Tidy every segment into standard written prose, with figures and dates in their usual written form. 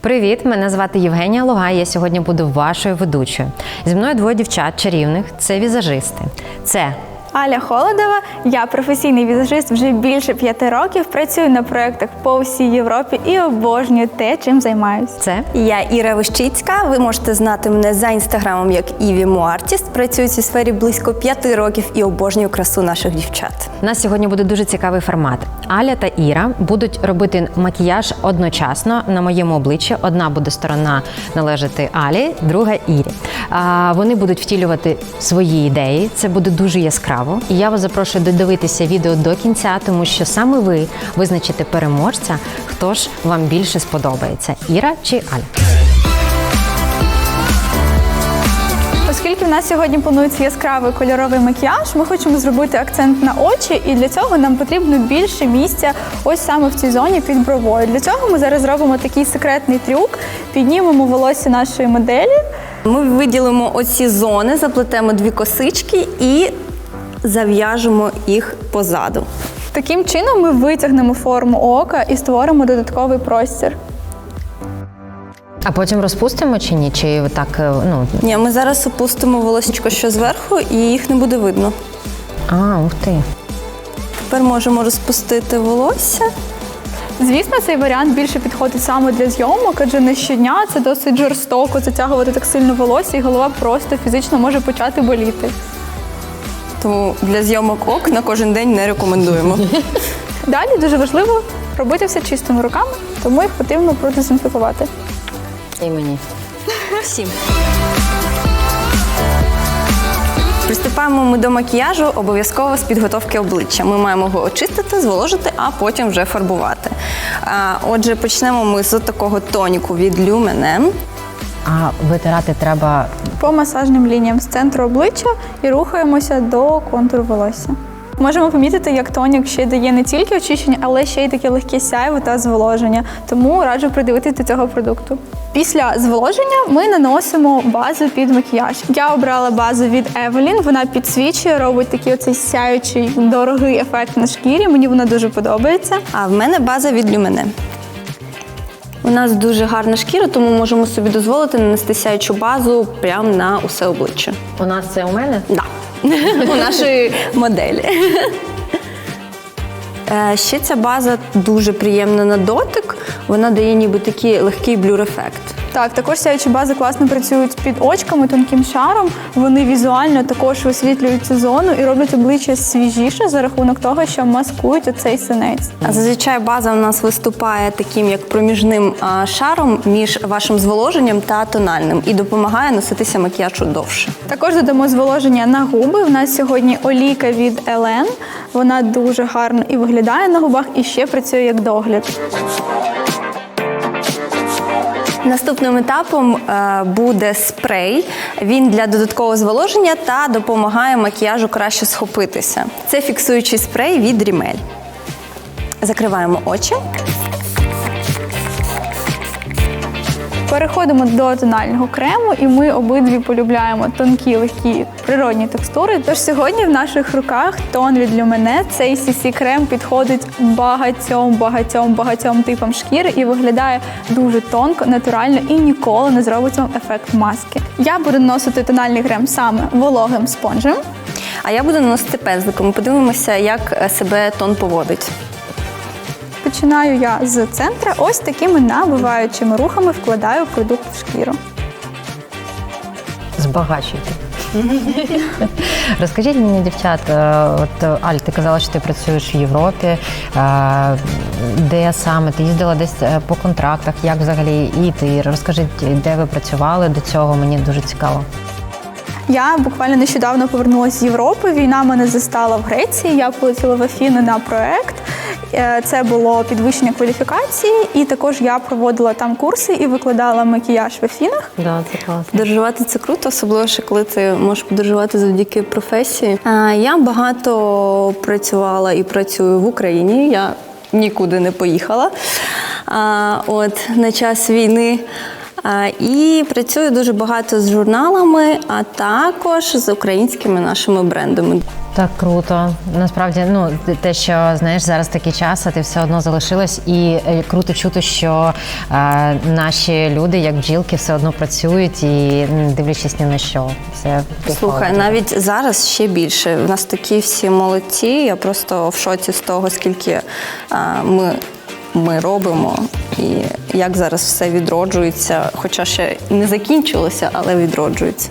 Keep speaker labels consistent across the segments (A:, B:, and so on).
A: Привіт, мене звати Євгенія Лугай, я сьогодні буду вашою ведучою. Зі мною двоє дівчат чарівних, це візажисти. Це
B: Аля Холодова, я професійний візажист вже більше 5 років, працюю на проєктах по всій Європі і обожнюю те, чим займаюся.
A: Це
C: Я Іра Вищицька, ви можете знати мене за інстаграмом як Ivy Mo Artist. Працюю в цій сфері близько 5 років і обожнюю красу наших дівчат.
A: у нас сьогодні буде дуже цікавий формат. Аля та Іра будуть робити макіяж одночасно на моєму обличчі. Одна буде сторона належати Алі, друга Ірі. Вони будуть втілювати свої ідеї, це буде дуже яскраво. І я вас запрошую додивитися відео до кінця, тому що саме ви визначите переможця, хто ж вам більше сподобається, Іра чи Аля.
B: Оскільки в нас сьогодні планується яскравий кольоровий макіяж, ми хочемо зробити акцент на очі, і для цього нам потрібно більше місця ось саме в цій зоні під бровою. Для цього ми зараз зробимо такий секретний трюк, піднімемо волосся нашої моделі.
C: Ми виділимо оці зони, заплетемо 2 косички і зав'яжемо їх позаду.
B: Таким чином ми витягнемо форму ока і створимо додатковий простір.
A: А потім розпустимо чи ні? Чи так,
C: Ні, ми зараз опустимо волосечко що зверху і їх не буде видно.
A: ух ти.
C: Тепер можемо розпустити волосся.
B: Звісно, цей варіант більше підходить саме для зйомок, адже не щодня це досить жорстоко затягувати так сильно волосся, і голова просто фізично може почати боліти.
C: Тому для зйомок ок на кожен день не рекомендуємо.
B: Далі дуже важливо робити все чистими руками, тому їх потрібно продезінфікувати.
A: І мені.
C: Всім. Приступаємо ми до макіяжу обов'язково з підготовки обличчя. Ми маємо його очистити, зволожити, а потім вже фарбувати. Отже, почнемо ми з такого тоніку від Lumen.
A: А витирати треба
B: По масажним лініям з центру обличчя і рухаємося до контуру волосся. Можемо помітити, як тонік ще дає не тільки очищення, але ще й таке легке сяйво та зволоження. Тому раджу придивитися до цього продукту. Після зволоження ми наносимо базу під макіяж. Я обрала базу від Evelyn, вона підсвічує, робить такий оцей сяючий, дорогий ефект на шкірі. Мені вона дуже подобається.
C: А в мене база від Lumen. У нас дуже гарна шкіра, тому можемо собі дозволити нанести сяючу базу прямо на усе обличчя.
A: у нас це у мене?
C: Да. У нашої моделі. Ще ця база дуже приємна на дотик. Вона дає ніби такий легкий блюр-ефект.
B: Так, також сяючі бази класно працюють під очками тонким шаром. Вони візуально також висвітлюють цю зону і роблять обличчя свіжіше за рахунок того, що маскують оцей синець.
C: А зазвичай база у нас виступає таким як проміжним шаром між вашим зволоженням та тональним і допомагає носитися макіяжу довше.
B: Також додамо зволоження на губи. У нас сьогодні олійка від Елен. Вона дуже гарно і виглядає на губах, і ще працює як догляд.
C: Наступним етапом буде спрей. Він для додаткового зволоження та допомагає макіяжу краще схопитися. Це фіксуючий спрей від Rimmel. Закриваємо очі.
B: Переходимо до тонального крему, і ми обидві полюбляємо тонкі, легкі, природні текстури. Тож сьогодні в наших руках тон від Lumen. Цей CC-крем підходить багатьом типам шкіри і виглядає дуже тонко, натурально і ніколи не зробить вам ефект маски. Я буду наносити тональний крем саме вологим спонжем.
C: А я буду наносити пензликом. Подивимося, як себе тон поводить.
B: Починаю я з центра. Ось такими набиваючими рухами вкладаю продукт в шкіру.
A: Збагачуйте. Розкажіть мені, дівчат, от Аль, ти казала, що ти працюєш в Європі. Де саме? Ти їздила десь по контрактах? Як взагалі? І ти розкажіть, де ви працювали до цього? Мені дуже цікаво.
B: Я буквально нещодавно повернулася з Європи. Війна мене застала в Греції. Я полетіла в Афіни на проект. Це було підвищення кваліфікації, і також я проводила там курси і викладала макіяж в Афінах.
A: Да, це класно.
C: Подорожувати – це круто, особливо, ще коли ти можеш подорожувати завдяки професії. Я багато працювала і працюю в Україні. Я нікуди не поїхала на час війни. І працюю дуже багато з журналами, а також з українськими нашими брендами.
A: Так круто. Насправді, те, що знаєш, зараз такий час, а ти все одно залишилась, і круто чути, що наші люди, як бджілки, все одно працюють і не дивлячись ні на що. Це
C: Слухай,
A: похвалити.
C: навіть зараз ще більше. У нас такі всі молодці. Я просто в шоці з того, скільки ми робимо і як зараз все відроджується, хоча ще не закінчилося, але відроджується.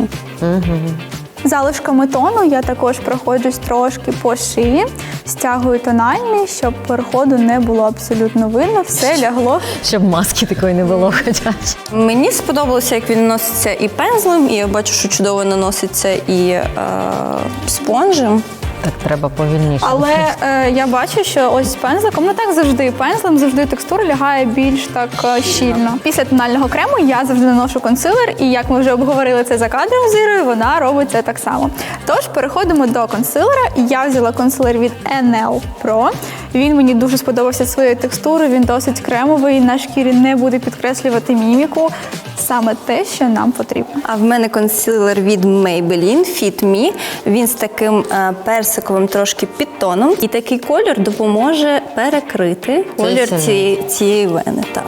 B: Залишками тону я також проходжусь трошки по шиї, стягую тональний, щоб переходу не було абсолютно видно, все лягло.
A: Щоб маски такої не було хоча б.
C: Мені сподобалося, як він наноситься і пензлем, і я бачу, що чудово наноситься і спонжем.
A: Так треба повільніше.
B: Але я бачу, що ось з пензликом, так завжди, пензлем завжди текстура лягає більш так щільно. Після тонального крему я завжди наношу консилер, і як ми вже обговорили це за кадром з Ірою, вона робить це так само. Тож переходимо до консилера. Я взяла консилер від NL Pro. Він мені дуже сподобався своєю текстурою, він досить кремовий, на шкірі не буде підкреслювати міміку. Саме те, що нам потрібно.
C: А в мене консилер від Maybelline Fit Me. Він з таким персиковим трошки підтоном. І такий колір допоможе перекрити колір цієї вени. Так.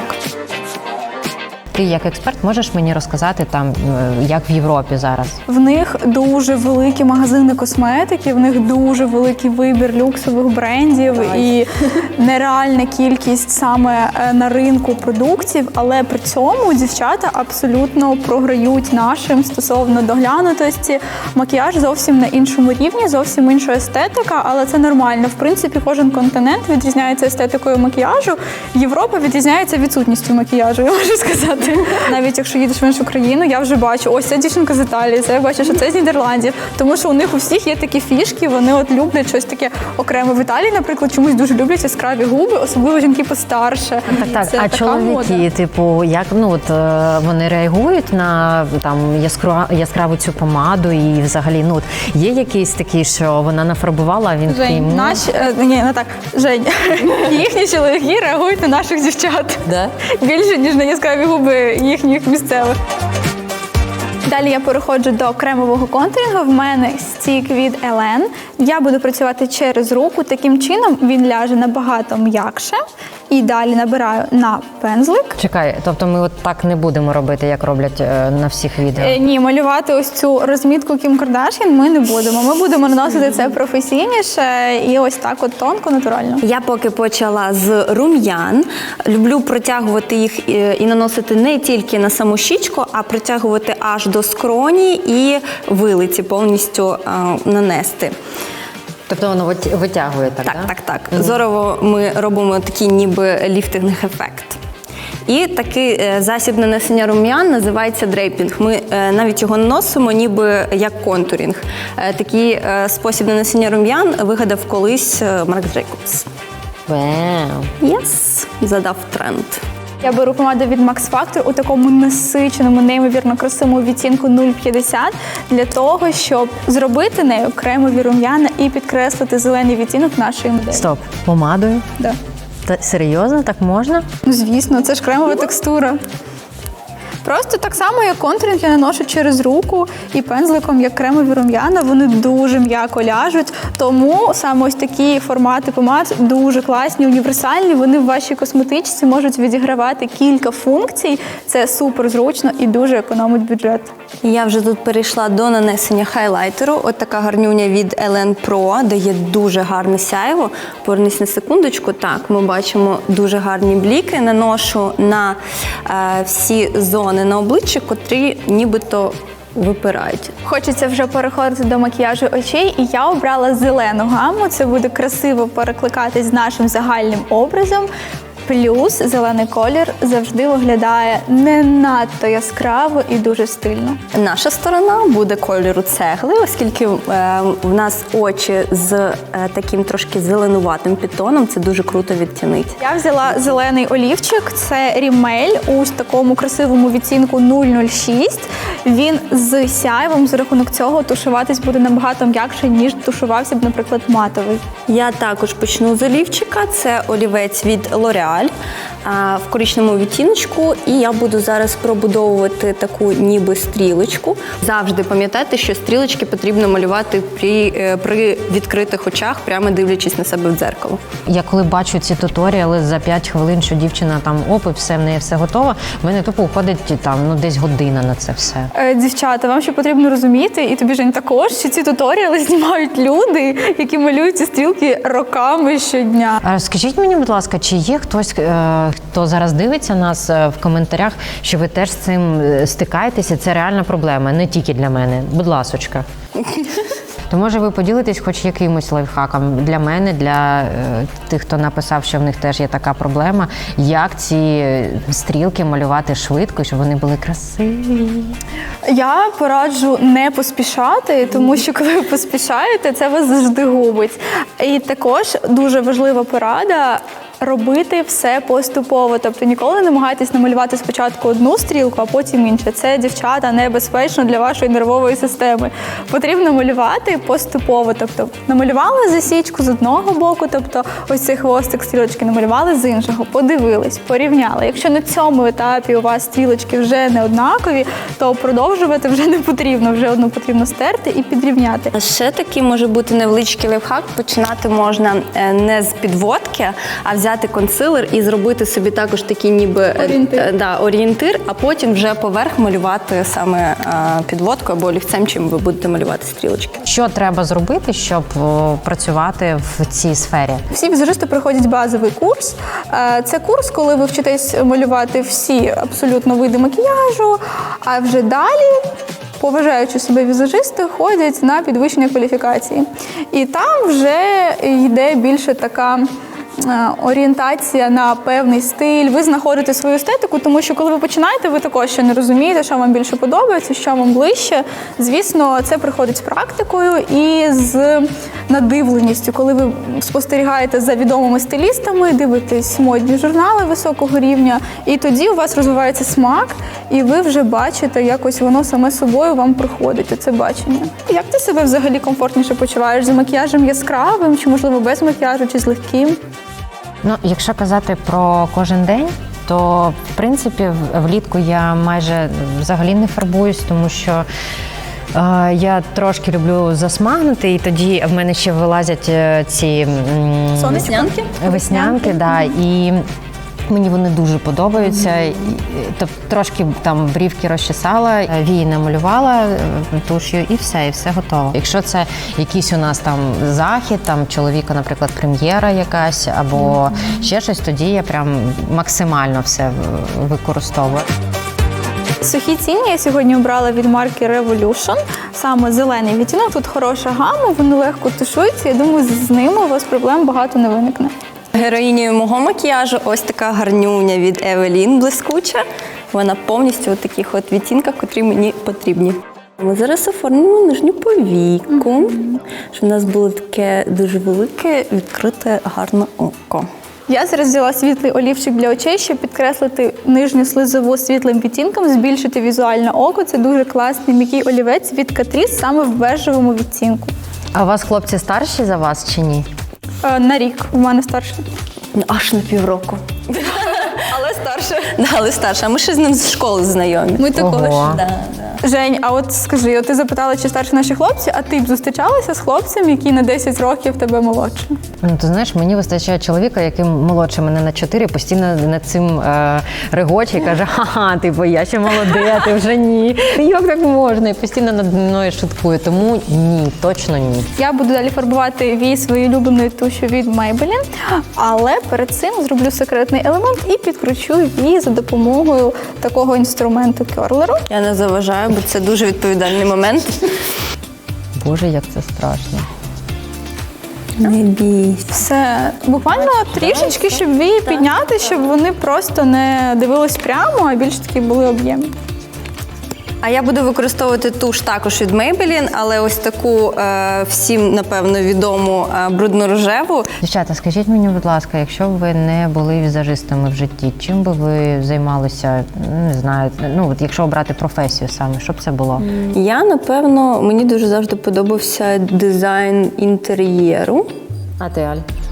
A: Ти як експерт можеш мені розказати там, як в Європі зараз?
B: В них дуже великі магазини косметики, в них дуже великий вибір люксових брендів і нереальна кількість саме на ринку продуктів, але при цьому дівчата абсолютно програють нашим стосовно доглянутості. Макіяж зовсім на іншому рівні, зовсім інша естетика, але це нормально. В принципі, кожен континент відрізняється естетикою макіяжу. Європа відрізняється відсутністю макіяжу, я можу сказати. Навіть якщо їдеш в іншу країну, я вже бачу, ось ця дівчинка з Італії, це я бачу, що це з Нідерландів. Тому що у них у всіх є такі фішки, вони от люблять щось таке окремо. В Італії, наприклад, чомусь дуже люблять яскраві губи, особливо жінки постарше.
A: Так.
B: Це
A: А
B: така
A: чоловіки,
B: мода.
A: типу, як вони реагують на там яскраву цю помаду і взагалі, є якийсь такий, що вона нафарбувала, а він такий.
B: Жень, їхні чоловіки реагують на наших дівчат.
A: Да?
B: Більше, ніж на яскраві губи їхніх місцевих. Далі я переходжу до кремового контурінгу. В мене стік від Елен. Я буду працювати через руку. Таким чином він ляже набагато м'якше. І далі набираю на пензлик.
A: Чекай, тобто ми от так не будемо робити, як роблять на всіх відео?
B: Ні, малювати ось цю розмітку Кім Кардашін ми не будемо. Ми будемо наносити це професійніше і ось так от тонко, натурально.
C: Я поки почала з рум'ян. Люблю протягувати їх і наносити не тільки на саму щічку, а протягувати аж до скроні і вилиці повністю нанести.
A: Тобто воно витягує так,
C: Так. Зорово ми робимо такий ніби ліфтинг-ефект. І такий засіб нанесення рум'ян називається дрейпінг. Ми навіть його наносимо ніби як контурінг. Такий спосіб нанесення рум'ян вигадав колись Марк Джейкобс.
A: Вау!
C: Задав тренд.
B: Я беру помаду від Max Factor у такому насиченому, неймовірно красивому відтінку 0,50 для того, щоб зробити нею кремові рум'яна і підкреслити зелений відтінок нашої моделі.
A: Стоп, помадою?
B: Да.
A: Та серйозно, так можна?
B: Ну, звісно, це ж кремова текстура. Просто так само, як контуринг, я наношу через руку і пензликом, як кремові рум'яна, вони дуже м'яко ляжуть. Тому саме ось такі формати помад дуже класні, універсальні. Вони в вашій косметичці можуть відігравати кілька функцій. Це супер зручно і дуже економить бюджет.
C: Я вже тут перейшла до нанесення хайлайтеру. От така гарнюня від Елен Pro, дає дуже гарне сяйво. Повернись на секундочку. Так, ми бачимо дуже гарні бліки. Наношу на всі зони на обличчі, котрі нібито випирають.
B: Хочеться вже переходити до макіяжу очей, і я обрала зелену гамму. Це буде красиво перекликатись з нашим загальним образом. Плюс зелений колір завжди виглядає не надто яскраво і дуже стильно.
C: Наша сторона буде кольору цегли, оскільки в нас очі з таким трошки зеленуватим підтоном, це дуже круто відтінить.
B: Я взяла зелений олівчик, це Рімель у такому красивому відтінку 006. Він з сяйвом, за рахунок цього тушуватись буде набагато м'якше, ніж тушувався б, наприклад, матовий.
C: Я також почну з олівчика, це олівець від L'Oreal. сталь в коричневому відтіночку, і я буду зараз пробудовувати таку ніби стрілочку. Завжди пам'ятайте, що стрілочки потрібно малювати при відкритих очах, прямо дивлячись на себе в дзеркало.
A: Я коли бачу ці туторіали за 5 хвилин, що дівчина там і все, в неї все готово, в мене тупо уходить там десь година на це все.
B: Дівчата, вам ще потрібно розуміти, і тобі, Жень, також, що ці туторіали знімають люди, які малюють ці стрілки роками щодня.
A: А скажіть мені, будь ласка, чи є хтось, хто зараз дивиться нас в коментарях, що ви теж з цим стикаєтеся? Це реальна проблема, не тільки для мене. Будь ласочка. То може ви поділитесь хоч якимось лайфхаком для мене, для тих, хто написав, що в них теж є така проблема, як ці стрілки малювати швидко, щоб вони були красиві?
B: Я пораджу не поспішати, тому що коли ви поспішаєте, це вас завжди губить. І також дуже важлива порада – робити все поступово. Тобто ніколи не намагайтесь намалювати спочатку одну стрілку, а потім іншу. Це, дівчата, небезпечно для вашої нервової системи. Потрібно малювати поступово. Тобто намалювали засічку з одного боку, тобто ось цей хвостик стрілочки намалювали з іншого, подивились, порівняли. Якщо на цьому етапі у вас стрілочки вже не однакові, то продовжувати вже не потрібно. Вже одну потрібно стерти і підрівняти.
C: Ще такий може бути невеличкий лайфхак. Починати можна не з підводки, а взяти консилер і зробити собі також такий ніби орієнтир, а потім вже поверх малювати саме підводкою або олівцем, чим ви будете малювати стрілочки.
A: Що треба зробити, щоб працювати в цій сфері?
B: Всі візажисти проходять базовий курс. Це курс, коли ви вчитесь малювати всі абсолютно види макіяжу, а вже далі поважаючи себе візажисти, ходять на підвищення кваліфікації. І там вже йде більше така орієнтація на певний стиль. Ви знаходите свою естетику, тому що коли ви починаєте, ви також ще не розумієте, що вам більше подобається, що вам ближче. Звісно, це приходить з практикою і з надивленістю, коли ви спостерігаєте за відомими стилістами, дивитесь модні журнали високого рівня, і тоді у вас розвивається смак, і ви вже бачите, якось воно саме собою вам приходить, це бачення. Як ти себе взагалі комфортніше почуваєш? За макіяжем яскравим, чи, можливо, без макіяжу, чи з легким?
A: Ну, якщо казати про кожен день, то, в принципі, влітку я майже взагалі не фарбуюсь, тому що я трошки люблю засмагнути, і тоді в мене ще вилазять ці
B: Веснянки?
A: Веснянки, да, і мені вони дуже подобаються. Тобто трошки там брівки розчесала, вії намалювала туш'ю і все готово. Якщо це якийсь у нас там захід, там чоловіка, наприклад, прем'єра якась або ще щось, тоді я прям максимально все використовую.
B: Сухі тіні я сьогодні обрала від марки Revolution, саме зелений відтінок. Тут хороша гама, вони легко тушуються. Я думаю, з ними у вас проблем багато не виникне.
C: Героїнею мого макіяжу ось така гарнюня від Evelyn блискуча. Вона повністю у таких от відтінках, котрі мені потрібні. Ми зараз оформимо нижню повіку, щоб у нас було таке дуже велике, відкрите, гарне око.
B: Я зараз взяла світлий олівчик для очей, щоб підкреслити нижню слизову світлим відтінком, збільшити візуальне око. Це дуже класний м'який олівець від Catrice саме в бежевому відтінку.
A: А у вас хлопці старші за вас чи ні?
B: На рік. У мене старший.
C: Аж на півроку. Але старше. Але старше. А ми ще з ним з школи знайомі.
B: Ми також.
A: Ого.
B: Жень, а от скажи, ти запитала, чи старші наші хлопці, а ти б зустрічалася з хлопцем, який на 10 років тебе молодше?
A: Ну, ти знаєш, мені вистачає чоловіка, який молодше мене на 4, постійно над цим регоче і каже, ха-ха, типу, я ще молода, ти вже ні. Як так можна? І постійно над мною шуткує. Тому ні, точно ні.
B: Я буду далі фарбувати вії своєю улюбленою тушю від Maybelline, але перед цим зроблю секретний елемент і підкручу вії за допомогою такого інструменту керлеру.
C: Я не заважаю, бо це дуже відповідальний момент.
A: Боже, як це страшно.
C: Не бійся.
B: Все, буквально трішечки, щоб вії підняти, щоб вони просто не дивились прямо, а більш таки були об'ємні.
C: А я буду використовувати туш також від Maybelline, але ось таку всім, напевно, відому брудно-рожеву.
A: Дівчата, скажіть мені, будь ласка, якщо б ви не були візажистами в житті, чим би ви займалися, не знаю, ну, от якщо обрати професію саме, що б це було?
C: Я, напевно, мені дуже завжди подобався дизайн інтер'єру.
A: А ти, Аль?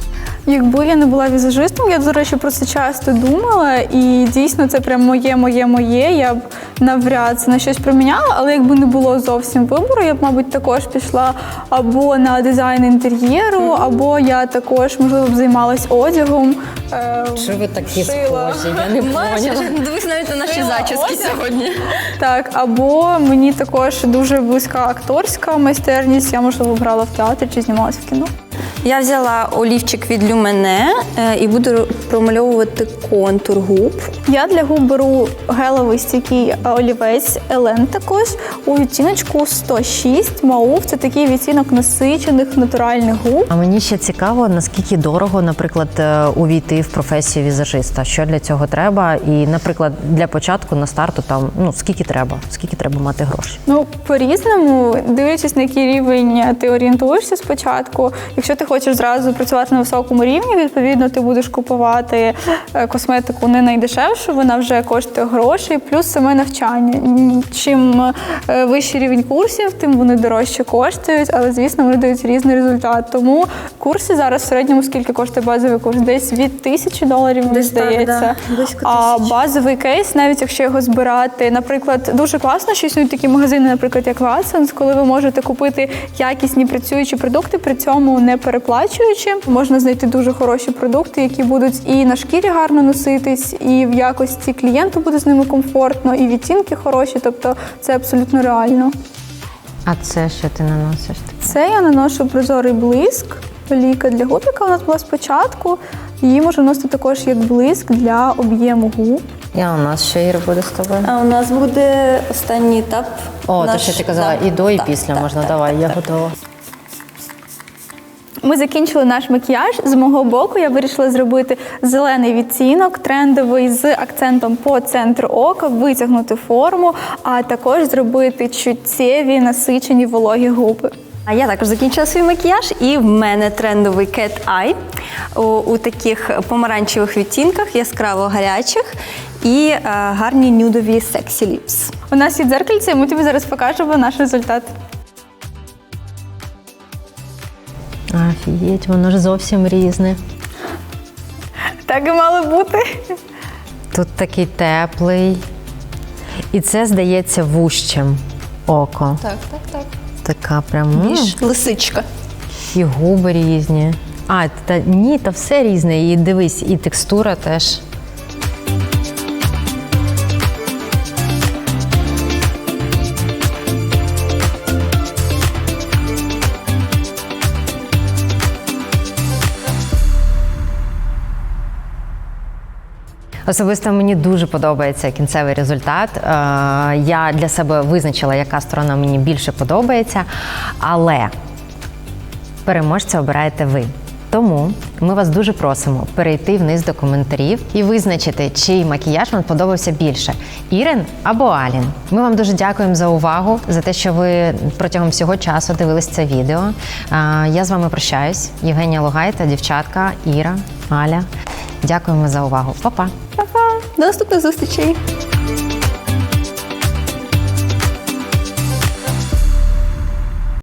B: Якби я не була візажистом, я, до речі, про це часто думала, і дійсно це прям моє. Я б навряд це на щось проміняла, але якби не було зовсім вибору, я б, мабуть, також пішла або на дизайн інтер'єру, або я також, можливо, б займалась одягом.
A: Що ви такі
B: шила.
A: схожі? Я не поняла.
C: Дивись навіть на наші
B: Шила
C: зачіски
B: одяг.
C: сьогодні.
B: Так, або мені також дуже близька акторська майстерність, я, можливо, грала в театрі чи знімалася в кіно.
C: Я взяла олівчик від Люмене і буду промальовувати контур губ.
B: Я для губ беру гелевий стійкий олівець Елен також у відтіночку 106 маув. Це такий відтінок насичених натуральних губ.
A: А мені ще цікаво, наскільки дорого, наприклад, увійти в професію візажиста. Що для цього треба? І, наприклад, для початку на старту там скільки треба мати грошей?
B: Ну, по-різному, дивлячись, на який рівень ти орієнтуєшся спочатку. Якщо ти хочеш зразу працювати на високому рівні, відповідно, ти будеш купувати косметику не найдешевшу, вона вже коштує грошей, плюс саме навчання. Чим вищий рівень курсів, тим вони дорожче коштують, але, звісно, вони дають різний результат. Тому курси зараз в середньому скільки коштує базовий курс? Десь від $1000, мені
C: Десь так,
B: здається.
C: да. Близько
B: А
C: 1000.
B: базовий кейс, навіть якщо його збирати, наприклад, дуже класно, що існують такі магазини, наприклад, як Watsons, коли ви можете купити якісні працюючі продукти, при цьому не переплачуючи. Можна знайти дуже хороші продукти, які будуть і на шкірі гарно носитись, і в якості клієнту буде з ними комфортно, і відтінки хороші, тобто це абсолютно реально.
A: А це що ти наносиш?
B: Це я наношу прозорий блиск, олійка для губ, яка у нас була спочатку. Її можна носити також як блиск для об'єму губ.
A: І у нас що, Іра, буде з тобою?
C: А у нас буде останній етап.
A: О, то що ти казала, і до, і після можна. Давай, я готова.
B: Ми закінчили наш макіяж. З мого боку я вирішила зробити зелений відтінок, трендовий з акцентом по центру ока, витягнути форму, а також зробити чуттєві, насичені вологі губи.
C: А я також закінчила свій макіяж, і в мене трендовий Cat Eye у таких помаранчевих відтінках, яскраво гарячих і гарні нюдові Sexy Lips.
B: У нас є дзеркальце, і ми тобі зараз покажемо наш результат.
A: Офігеть, воно ж зовсім різне.
B: Так і мало бути.
A: Тут такий теплий. І це, здається, вужчим око.
C: Так.
A: Така прям.
C: Ніж лисичка.
A: І губи різні. Та все різне. І дивись, і текстура теж. Особисто мені дуже подобається кінцевий результат. Я для себе визначила, яка сторона мені більше подобається, але переможця обираєте ви. Тому ми вас дуже просимо перейти вниз до коментарів і визначити, чий макіяж вам подобався більше – Ірин або Алін. Ми вам дуже дякуємо за увагу, за те, що ви протягом всього часу дивились це відео. Я з вами прощаюсь. Євгенія Лугай та дівчатка Іра, Аля. Дякуємо за увагу. Па-па!
C: До наступних зустрічей!